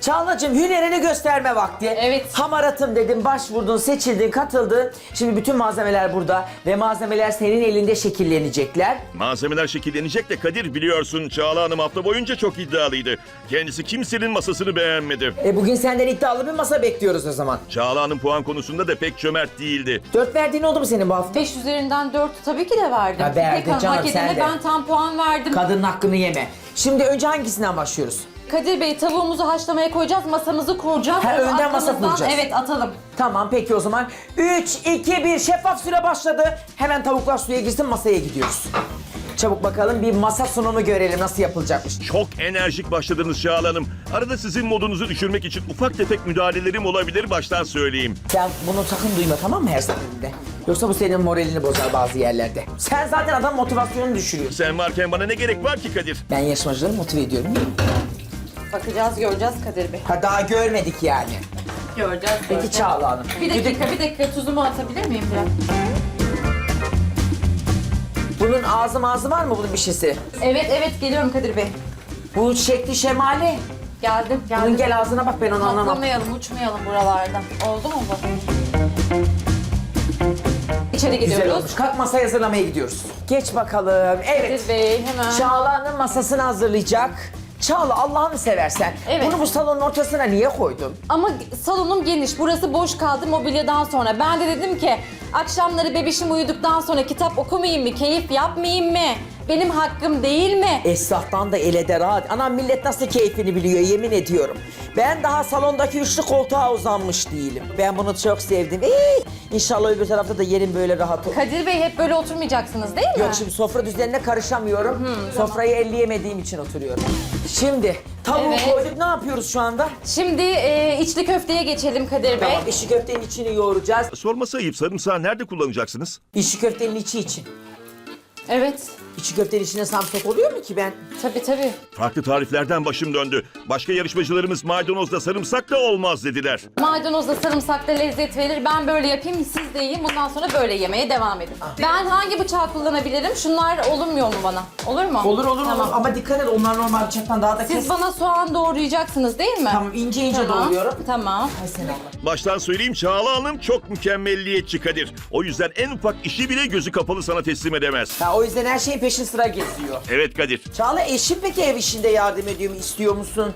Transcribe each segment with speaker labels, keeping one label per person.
Speaker 1: Çağlacığım hünerini gösterme vakti.
Speaker 2: Evet.
Speaker 1: Hamaratım dedin, başvurdun, seçildin, katıldın. Şimdi bütün malzemeler burada ve malzemeler senin elinde şekillenecekler.
Speaker 3: Malzemeler şekillenecek de Kadir, biliyorsun Çağla Hanım hafta boyunca çok iddialıydı. Kendisi kimsenin masasını beğenmedi.
Speaker 1: Bugün senden iddialı bir masa bekliyoruz o zaman.
Speaker 3: Çağla Hanım puan konusunda da pek cömert değildi.
Speaker 1: 4 verdiğin oldu mu senin bu hafta?
Speaker 2: 5 üzerinden 4 tabii ki de verdim.
Speaker 1: Ha, verdin
Speaker 2: İpek Hanım,
Speaker 1: canım,
Speaker 2: hak
Speaker 1: sen
Speaker 2: edene
Speaker 1: de.
Speaker 2: ben tam puan verdim.
Speaker 1: Kadının hakkını yeme. Şimdi önce hangisinden başlıyoruz?
Speaker 2: Kadir Bey, tavuğumuzu haşlamaya koyacağız, masamızı kuracağız.
Speaker 1: Ha,
Speaker 2: Onu
Speaker 1: önden masa
Speaker 2: aklımızdan-
Speaker 1: kuracağız.
Speaker 2: Evet, atalım.
Speaker 1: Tamam peki o zaman. 3, 2, 1 şeffaf süre başladı. Hemen tavuklar suya girsin, masaya gidiyoruz. Çabuk bakalım bir masa sunumu görelim nasıl yapılacakmış.
Speaker 3: Çok enerjik başladınız Çağla Hanım. Arada sizin modunuzu düşürmek için ufak tefek müdahalelerim olabilir, baştan söyleyeyim.
Speaker 1: Sen bunu sakın duyma, tamam mı, her seferinde? Yoksa bu senin moralini bozar bazı yerlerde. Sen zaten adam motivasyonunu düşürüyorsun.
Speaker 3: Sen varken bana ne gerek var ki Kadir?
Speaker 1: Ben yarışmacıları motive ediyorum.
Speaker 2: Bakacağız, göreceğiz Kadir Bey.
Speaker 1: Ha, daha görmedik yani.
Speaker 2: Göreceğiz.
Speaker 1: Peki Çağla Hanım.
Speaker 2: Bir dakika, tuzumu atabilir miyim biraz?
Speaker 1: Bunun ağzı var mı bunun bir şeysi?
Speaker 2: Evet, geliyorum Kadir Bey.
Speaker 1: Bu şekli şemali.
Speaker 2: Geldim.
Speaker 1: Bunun gel ağzına bak, ben onu anlamam.
Speaker 2: Atlamayalım, uçmayalım buralardan. Oldu mu bu? İçeri
Speaker 1: Güzel
Speaker 2: gidiyoruz.
Speaker 1: olmuş. Kalk masayı hazırlamaya gidiyoruz. Geç bakalım. Evet.
Speaker 2: Kadir Bey, hemen.
Speaker 1: Çağla'nın masasını hazırlayacak. Çağla, Allah'ını seversen.
Speaker 2: Evet.
Speaker 1: Bunu bu salonun ortasına niye koydun?
Speaker 2: Ama salonum geniş. Burası boş kaldı mobilyadan sonra. Ben de dedim ki akşamları bebişim uyuduktan sonra kitap okumayayım mı? Keyif yapmayayım mı? Benim hakkım değil mi?
Speaker 1: Esnaftan da ele de rahat. Anam millet nasıl keyfini biliyor, yemin ediyorum. Ben daha salondaki üçlü koltuğa uzanmış değilim. Ben bunu çok sevdim. İnşallah öbür tarafta da yerim böyle rahat olur.
Speaker 2: Kadir Bey, hep böyle oturmayacaksınız değil mi?
Speaker 1: Yok, şimdi sofra düzenine karışamıyorum. Sofrayı elleyemediğim için oturuyorum. Şimdi tavuğu
Speaker 2: Evet.
Speaker 1: koyduk, ne yapıyoruz şu anda?
Speaker 2: Şimdi içli köfteye geçelim Kadir Bey.
Speaker 1: Tamam, içi köftenin içini yoğuracağız.
Speaker 3: Sorması ayıp, sarımsağı nerede kullanacaksınız?
Speaker 1: İçi köftenin içi için.
Speaker 2: Evet.
Speaker 1: İçi köftenin içine samsak oluyor mu ki ben?
Speaker 2: Tabii.
Speaker 3: Farklı tariflerden başım döndü. Başka yarışmacılarımız maydanozla sarımsak da olmaz dediler.
Speaker 2: Maydanozla sarımsak da lezzet verir. Ben böyle yapayım, siz de yiyin. Bundan sonra böyle yemeye devam edin. Ben hangi bıçağı kullanabilirim? Şunlar olmuyor mu bana? Olur mu?
Speaker 1: Olur
Speaker 2: Tamam.
Speaker 1: ama dikkat et, onlar normal bıçaktan daha da kes.
Speaker 2: Siz bana soğan doğrayacaksınız değil mi?
Speaker 1: Tamam, ince
Speaker 2: Tamam.
Speaker 1: doğruyorum.
Speaker 2: Tamam.
Speaker 1: Ay sen Allah.
Speaker 3: Baştan söyleyeyim, Çağla Hanım çok mükemmelliyetçi Kadir. O yüzden en ufak işi bile gözü kapalı sana teslim edemez.
Speaker 1: Ha, o yüzden her şeyin peşin sıra geziyor.
Speaker 3: Evet Kadir.
Speaker 1: Çağla, eşin peki ev işinde yardım ediyor mu, istiyor musun?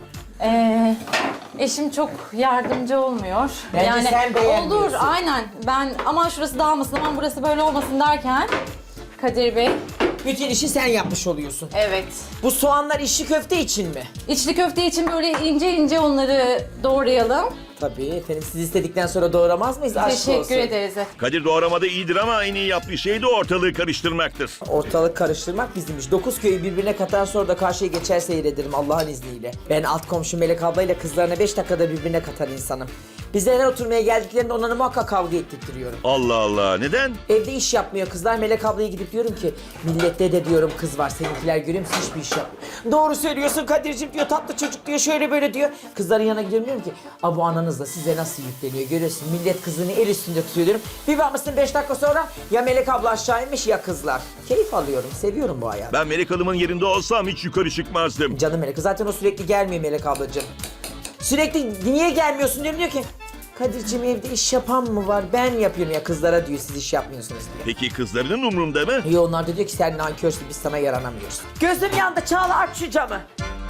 Speaker 2: Eşim çok yardımcı olmuyor.
Speaker 1: Bence sen beğenmiyorsun.
Speaker 2: olur, aynen. Ben aman şurası dağılmasın, aman burası böyle olmasın derken Kadir Bey.
Speaker 1: Bütün işi sen yapmış oluyorsun.
Speaker 2: Evet.
Speaker 1: Bu soğanlar içli köfte için mi?
Speaker 2: İçli köfte için böyle ince ince onları doğrayalım.
Speaker 1: Tabii efendim, siz istedikten sonra doğramaz mıyız? Aşk
Speaker 2: Teşekkür
Speaker 1: olsun.
Speaker 2: ederiz.
Speaker 3: Kadir doğramada iyidir ama en iyi yaptığı şey de ortalığı karıştırmaktır.
Speaker 1: Ortalık karıştırmak bizim iş. 9 köyü birbirine katar, sonra da karşıya geçer seyrederim Allah'ın izniyle. Ben alt komşu Melek ablayla kızlarına 5 dakikada birbirine katar insanım. Bizler oturmaya geldiklerinde onları muhakkak kavga ettirtiyorum.
Speaker 3: Allah Allah, neden?
Speaker 1: Evde iş yapmıyor kızlar. Melek ablaya gidip diyorum ki millette de diyorum kız var, seninkiler görüyor musun, hiçbir iş yapmıyor. Doğru söylüyorsun Kadir'cim diyor, tatlı çocuk diyor, şöyle böyle diyor. Kızların yanına gidiyorum, diyorum ki bu ananız da size nasıl yükleniyor görüyorsun, millet kızını el üstünde tutuyor diyorum. Bir bakmışsın 5 dakika sonra ya Melek abla aşağı inmiş ya kızlar. Keyif alıyorum, seviyorum bu hayatı.
Speaker 3: Ben Melek Hanım'ın yerinde olsam hiç yukarı çıkmazdım.
Speaker 1: Canım Melek, zaten o sürekli gelmiyor Melek ablacığım. Sürekli niye gelmiyorsun diyorum, diyor ki Kadir'cim evde iş yapan mı var? Ben yapıyorum ya, kızlara diyor, siz iş yapmıyorsunuz diyor.
Speaker 3: Peki kızlarının umrunda mı?
Speaker 1: İyi, onlar da diyor ki sen nankörsün, biz sana yaranamıyoruz. Gözüm yandı Çağla, aç şu camı.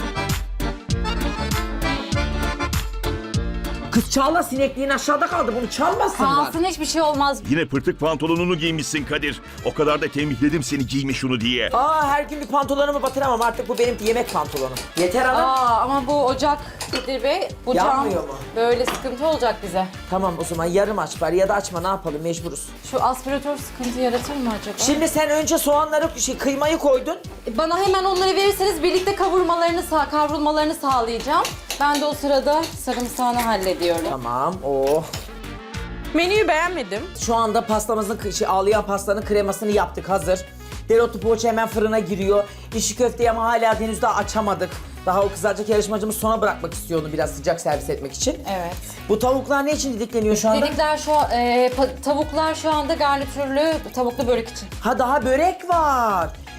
Speaker 1: Kız Çağla, sinekliğin aşağıda kaldı, bunu çalmasınlar.
Speaker 2: Kalsın, hiçbir şey olmaz.
Speaker 3: Yine pırtık pantolonunu giymişsin Kadir. O kadar da tembihledim seni, giyme şunu diye.
Speaker 1: Her gün bir pantolonumu batıramam, artık bu benim yemek pantolonum. Yeter hanım.
Speaker 2: Ama bu ocak Kadir Bey, bu
Speaker 1: Yanmıyor
Speaker 2: cam
Speaker 1: mu?
Speaker 2: böyle sıkıntı olacak bize.
Speaker 1: Tamam o zaman yarım aç bari, ya da açma, ne yapalım, mecburuz.
Speaker 2: Şu aspiratör sıkıntı yaratır mı acaba?
Speaker 1: Şimdi sen önce soğanları, kıymayı koydun.
Speaker 2: Bana hemen onları verirseniz birlikte kavrulmalarını sağlayacağım. Ben de o sırada sarımsağını hallediyorum.
Speaker 1: Tamam, oh.
Speaker 4: Menüyü beğenmedim.
Speaker 1: Şu anda pastamızın, ağlayan pastanın kremasını yaptık, hazır. Dereotu poğaça hemen fırına giriyor. İçli köfteyi ama hala henüz daha açamadık. Daha o kızarcık yarışmacımız sona bırakmak istiyor onu, biraz sıcak servis etmek için.
Speaker 2: Evet.
Speaker 1: Bu tavuklar ne için didikleniyor şu anda?
Speaker 2: Tavuklar şu anda garnitürlü tavuklu börek için.
Speaker 1: Ha, daha börek var.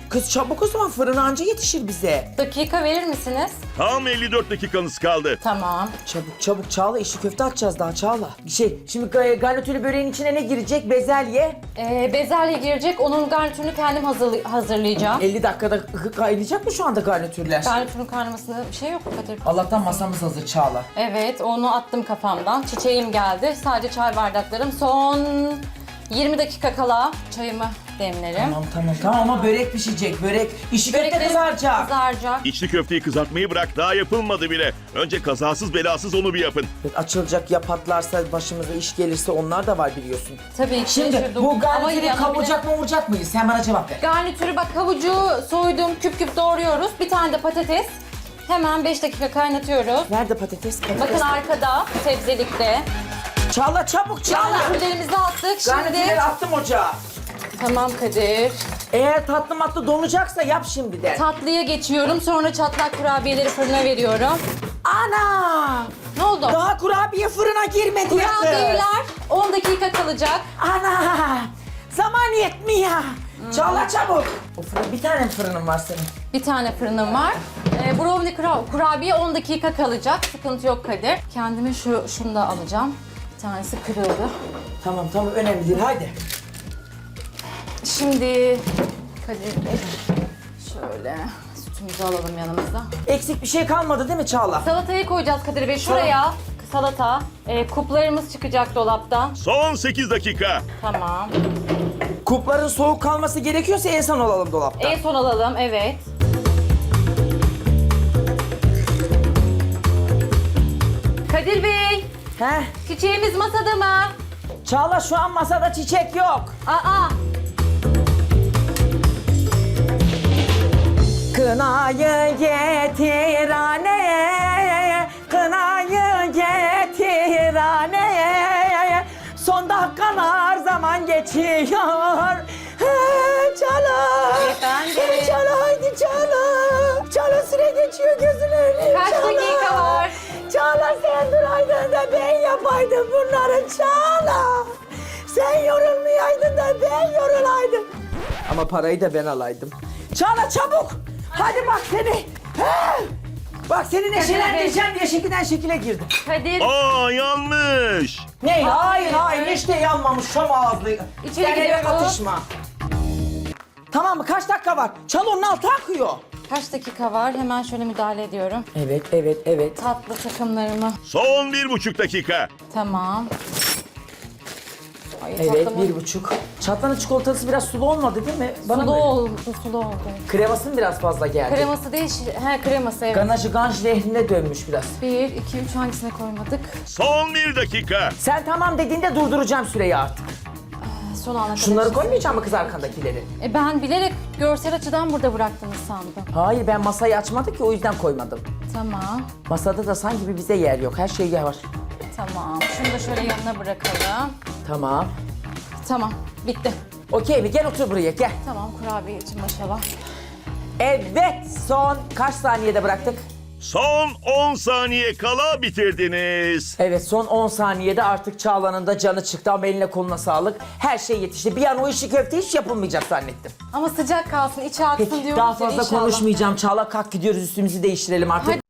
Speaker 1: Kız çabuk o zaman fırın anca yetişir bize.
Speaker 2: Dakika verir misiniz?
Speaker 3: Tam 54 dakikanız kaldı.
Speaker 2: Tamam.
Speaker 1: Çabuk çabuk Çağla, işi köfte atacağız daha Çağla. Şimdi garnitürlü böreğin içine ne girecek? Bezelye.
Speaker 2: Bezelye girecek. Onun garnitürünü kendim hazırlayacağım.
Speaker 1: 50 dakikada kaynayacak mı şu anda garnitürler?
Speaker 2: Garnitürün kaynamasında bir şey yok Kadir.
Speaker 1: Allah'tan masamız hazır Çağla.
Speaker 2: Evet, onu attım kafamdan. Çiçeğim geldi. Sadece çay bardaklarım. Son 20 dakika kala çayımı demlerim.
Speaker 1: Tamam ama börek pişecek, börek. İşi köfte
Speaker 2: Böreklerim
Speaker 1: kızaracak.
Speaker 2: Kızaracak.
Speaker 3: İçli köfteyi kızartmayı bırak, daha yapılmadı bile. Önce kazasız belasız onu bir yapın.
Speaker 1: Açılacak ya patlarsa, başımıza iş gelirse onlar da var biliyorsun.
Speaker 2: Tabii ki.
Speaker 1: Şimdi
Speaker 2: şaşırdım.
Speaker 1: bu
Speaker 2: Ama
Speaker 1: garnitürü
Speaker 2: yanına
Speaker 1: kavuracak mı vuracak mıyız? Sen bana cevap ver.
Speaker 2: Garnitürü bak, havucu soydum, küp küp doğruyoruz. Bir tane de patates. Hemen 5 dakika kaynatıyoruz.
Speaker 1: Nerede patates?
Speaker 2: Bakın arkada, sebzelikte.
Speaker 1: Çağla çabuk Çağla.
Speaker 2: Garnitürlerimizi attık. Şimdi
Speaker 1: Garnitürleri attım ocağa.
Speaker 2: tamam Kadir.
Speaker 1: Eğer tatlı matlı donacaksa yap şimdiden.
Speaker 2: Tatlıya geçiyorum. Sonra çatlak kurabiyeleri fırına veriyorum.
Speaker 1: Ana!
Speaker 2: Ne oldu?
Speaker 1: Daha kurabiye fırına girmedi ya kız.
Speaker 2: Kurabiyeler 10 dakika kalacak.
Speaker 1: Ana! Zaman yetmiyor. Çağla çabuk. O fırın, bir tane mi fırının var senin?
Speaker 2: Bir tane fırınım var. Brownie kurabiye 10 dakika kalacak. Sıkıntı yok Kadir. Kendime şunu da alacağım. Bir tanesi kırıldı.
Speaker 1: Tamam önemli değil haydi.
Speaker 2: Şimdi Kadir Bey şöyle sütümüzü alalım yanımızda.
Speaker 1: Eksik bir şey kalmadı değil mi Çağla?
Speaker 2: Salatayı koyacağız Kadir Bey. Şuraya salata. Kuplarımız çıkacak dolaptan.
Speaker 3: Son 8 dakika.
Speaker 2: Tamam.
Speaker 1: Kupların soğuk kalması gerekiyorsa en son alalım dolapta.
Speaker 2: En son alalım, evet. Kadir Bey,
Speaker 1: He?
Speaker 2: çiçeğimiz masada mı?
Speaker 1: Çağla şu an masada çiçek yok.
Speaker 2: Aa,
Speaker 1: Kınayı getir anne, kınayı getir anne. Son dakikalar zaman geçiyor. Çağla.
Speaker 2: Efendim?
Speaker 1: Çağla haydi Çağla. Çağla süre geçiyor gözün önüne.
Speaker 2: Kaç dakika var?
Speaker 1: Çağla sen duraydın da ben yapaydım bunları Çağla. Sen yorulmayaydın da ben yorulaydım. Ama parayı da ben alaydım. Çağla çabuk. Hadi bak seni. He! Bak seni neşelendireceğim diye şekilden şekile girdim.
Speaker 2: Kadir,
Speaker 3: Aa, yanlış.
Speaker 1: Ne? Hayır hiç de yanmamış şam ağızlı.
Speaker 2: İçeri
Speaker 1: Sen eve
Speaker 2: gidiyorum.
Speaker 1: katışma. Tamam mı? Kaç dakika var? Çal onun altı akıyor.
Speaker 2: kaç dakika var? Hemen şöyle müdahale ediyorum.
Speaker 1: Evet.
Speaker 2: Tatlı takımlarımı.
Speaker 3: Son 1,5 dakika.
Speaker 2: Tamam. Ay,
Speaker 1: Evet,
Speaker 2: tatlımı-
Speaker 1: 1,5. Çatlanın çikolatası biraz sulu olmadı değil mi?
Speaker 2: Sulu
Speaker 1: mı?
Speaker 2: oldu, sulu oldu.
Speaker 1: Kreması mı biraz fazla geldi?
Speaker 2: Kreması değil, kreması evet.
Speaker 1: Ganajı ganj lehrine dönmüş biraz.
Speaker 2: 1, 2, 3 hangisine koymadık?
Speaker 3: Son 1 dakika.
Speaker 1: Sen tamam dediğinde durduracağım süreyi artık.
Speaker 2: Son ana kadar.
Speaker 1: Şunları koymayacağım mı kız arkandakileri?
Speaker 2: Ben bilerek görsel açıdan burada bıraktınız sandım.
Speaker 1: Hayır ben masayı açmadık ki o yüzden koymadım.
Speaker 2: Tamam,
Speaker 1: Masada da sanki bir bize yer yok. Her şey var.
Speaker 2: tamam. Şunu da şöyle yanına bırakalım.
Speaker 1: Tamam.
Speaker 2: Tamam, bitti.
Speaker 1: Okey mi? Gel otur buraya gel.
Speaker 2: Tamam, kurabiye için maşallah.
Speaker 1: Evet son kaç saniyede bıraktık?
Speaker 3: Son 10 saniye kala bitirdiniz.
Speaker 1: Evet son 10 saniyede artık Çağla'nın da canı çıktı ama eline koluna sağlık. Her şey yetişti. Bir an o işi köfte hiç yapılmayacak zannettim.
Speaker 2: Ama sıcak kalsın, içi aksın
Speaker 1: Peki
Speaker 2: diyorum
Speaker 1: daha
Speaker 2: size
Speaker 1: fazla
Speaker 2: inşallah.
Speaker 1: konuşmayacağım. Çağla kalk gidiyoruz üstümüzü değiştirelim artık.
Speaker 2: Hadi.